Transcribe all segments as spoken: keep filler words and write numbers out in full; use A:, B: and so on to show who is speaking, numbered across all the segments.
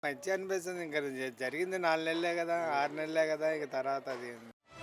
A: మంచిగా అనిపిస్తుంది. ఇంకా జ- జరిగింది నాలుగు నెలలే కదా, ఆరు నెలలే కదా, ఇక తర్వాత అది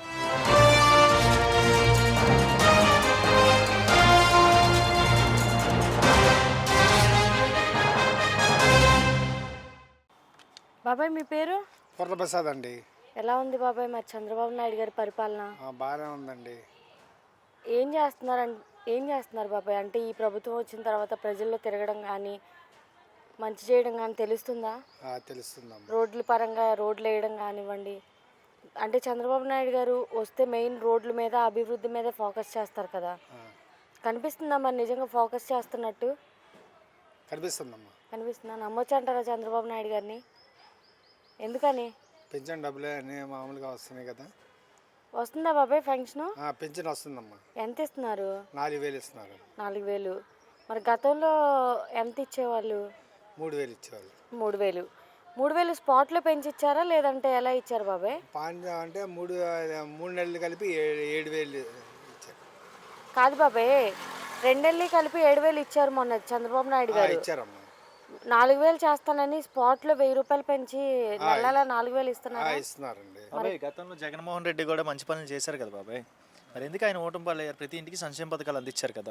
B: బాబాయ్ మీ పేరు?
A: పూర్ణప్రసాద్ అండి.
B: ఎలా ఉంది బాబాయ్ మరి చంద్రబాబు నాయుడు గారి పరిపాలన?
A: ఆ, బాగానే ఉందండి.
B: ఏం చేస్తున్నారు అన్- ఏం చేస్తున్నారు బాబాయ్? అంటే ఈ ప్రభుత్వం వచ్చిన తర్వాత ప్రజల్లో తిరగడం కానీ మంచి చేయడం కానీ తెలుస్తుందా?
A: ఆ, తెలుస్తుందమ్మా.
B: రోడ్ల పరంగా రోడ్లు వేయడం కానివ్వండి. అంటే చంద్రబాబు నాయుడు గారు వస్తే మెయిన్ రోడ్ల మీద అభివృద్ధి మీద ఫోకస్ చేస్తారు కదా,
A: ఆ,
B: కనిపిస్తుందా మరి నిజంగా ఫోకస్ చేస్తున్నట్టు?
A: కనిపిస్తుందమ్మా.
B: కనిపిస్తుందా? నమ్మొచ్చు అంటారా చంద్రబాబు నాయుడు గారిని? ఎందుకని?
A: పెన్షన్ డబ్బులే అన్నీ మామూలుగా వస్తున్నాయి కదా.
B: వస్తుందా బాబాయ్ ఫంక్షను?
A: ఆ, పెన్షన్ వస్తుందమ్మా.
B: ఎంత ఇస్తున్నారు?
A: నాలుగు వేలు ఇస్తున్నారు.
B: నాలుగు వేలు. మరి గతంలో ఎంత ఇచ్చేవాళ్ళు?
A: మూడు వేలు ఇచ్చేవాళ్ళు.
B: మూడు వేలు. మూడు వేలు స్పాట్లో పెంచి ఇచ్చారా లేదంటే ఎలా ఇచ్చారు బాబాయ్?
A: పాంచ అంటే మూడు మూడు నెలలు కలిపి ఏడు ఏడు వేలు ఇచ్చారు.
B: కాదు బాబాయ్, రెండెళ్ళి కలిపి ఏడు వేలు ఇచ్చారు మొన్న చంద్రబాబు నాయుడు
A: ఆ,
B: గారు.
A: ఇచ్చారమ్మా.
B: నాలుగు వేలు చేస్తానని స్పాట్లో వెయ్యి రూపాయలు పెంచి నెలలా నాలుగు వేలు
A: ఆ,
B: ఇస్తున్నారు.
A: ఇస్తున్నారండి.
C: బాబాయ్ గతంలో జగన్మోహన్ రెడ్డి కూడా మంచి పనులు చేశారు కదా బాబాయ్, మరి ఎందుకు ఆయన ఓటమి పాలయ్యారు? ప్రతి ఇంటికి సంక్షేమ పథకాలు అందించారు కదా.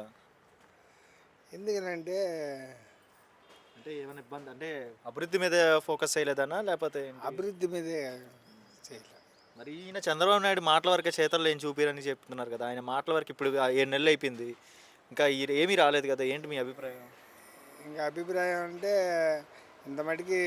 A: ఎందుకనంటే
C: అంటే ఏమైనా ఇబ్బంది అంటే అభివృద్ధి మీద ఫోకస్ చేయలేదన్నా లేకపోతే ఏంటి?
A: అభివృద్ధి మీదే చేయలేదు.
C: మరి ఈయన చంద్రబాబు నాయుడు మాటల వరకే చేతల్లో ఏం చూపిరని చెప్తున్నారు కదా. ఆయన మాటల వరకు ఇప్పుడు ఆ ఏడు నెలలు అయిపోయింది, ఇంకా ఈ ఏమీ రాలేదు కదా. ఏంటి మీ అభిప్రాయం?
A: ఇంకా అభిప్రాయం అంటే ఇంత మటుకి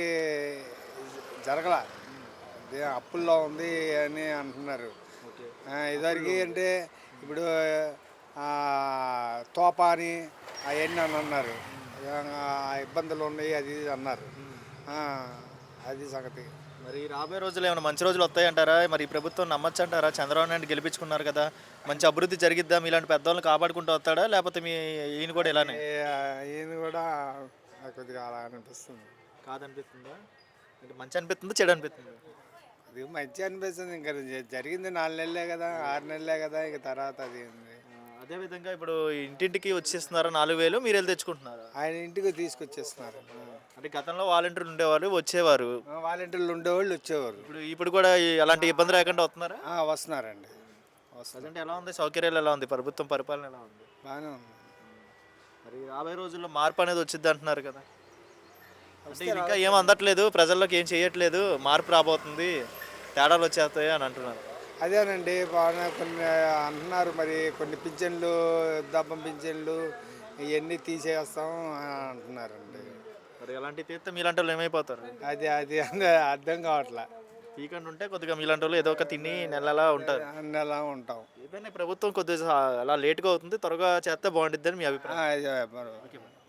A: జరగల, అదే అప్పుల్లో ఉంది అని అంటున్నారు.
C: ఓకే.
A: ఆ, ఇదివరకు అంటే ఇప్పుడు ఆ, తోప అని అవన్నీ అని అన్నారు. ఆ, ఇబ్బందులు ఉన్నాయి అది ఇది అన్నారు. ఆ, అది సంగతి.
C: మరి రాబోయే రోజులు ఏమైనా మంచి రోజులు వస్తాయంటారా? మరి ఈ ప్రభుత్వం నమ్మచ్చు అంటారా? చంద్రబాబు నాయుడు గెలిపించుకున్నారు కదా, మంచి అభివృద్ధి జరిగిద్దా? మీలాంటి పెద్దవాళ్ళని కాపాడుకుంటూ వస్తాడా లేకపోతే మీ ఈయన కూడా ఇలానే
A: ఏ- ఈయన కూడా నాకు కొద్దిగా అలా అనిపిస్తుంది.
C: కాదనిపిస్తుందా? అంటే మంచి అనిపిస్తుందా చెడు అనిపిస్తుందా?
A: అది మంచి అనిపిస్తుంది. ఇంకా జ- జరిగింది నాలుగు నెలలే కదా, ఆరు నెలలే కదా, ఇక తర్వాత అది ఏంది.
C: అదేవిధంగా ఇప్పుడు ఇంటింటికి వచ్చేస్తున్నారా నాలుగు వేలు, మీరు వెళ్ళి తెచ్చుకుంటున్నారా?
A: ఆయన ఇంటికి తీసుకొచ్చేస్తున్నారు.
C: అంటే గతంలో వాలంటీర్లు ఉండేవారు, వచ్చేవారు.
A: ఆ, వాలంటీర్లు ఉండేవాళ్ళు వచ్చేవారు.
C: ఇప్పుడు ఇప్పుడు కూడా ఈ- అలాంటి ఇబ్బంది లేకుండా వస్తున్నారా?
A: ఆ, వస్తున్నారండి. వస్తున్నారు.
C: అంటే ఎలా ఉంది, సౌకర్యాలు ఎలా ఉంది, ప్రభుత్వం పరిపాలన ఎలా ఉంది?
A: బాగానే ఉంది.
C: మరి రాబోయే రోజుల్లో మార్పు అనేది వచ్చింది అంటున్నారు కదా. అంటే ఇది ఇంకా ఏం అందట్లేదు, ప్రజల్లోకి ఏం చేయట్లేదు, మార్పు రాబోతుంది, తేడాలు వచ్చేస్తాయి అని అంటున్నారు.
A: అదేనండి, బాగా కొన్ని అంటున్నారు. మరి కొన్ని పింఛన్లు, దబ్బం పింఛన్లు ఇవన్నీ తీసేస్తాం అని అంటున్నారండి.
C: మరి ఎలాంటి తీస్తే మీలాంటి వాళ్ళు ఏమైపోతారు?
A: అది అది అర్థం కావట్లే.
C: పీకండి ఉంటే కొద్దిగా మీలాంటి వాళ్ళు ఏదో ఒక తిని నెలలా ఉంటారు.
A: అన్ని ఎలా ఉంటాం.
C: ఏదైనా ప్రభుత్వం కొద్దిగా అలా లేట్గా అవుతుంది, త్వరగా చేస్తే బాగుంటుంది అని మీ అభిప్రాయం.
A: ఆ, ఇది, మరి
C: ఓకే.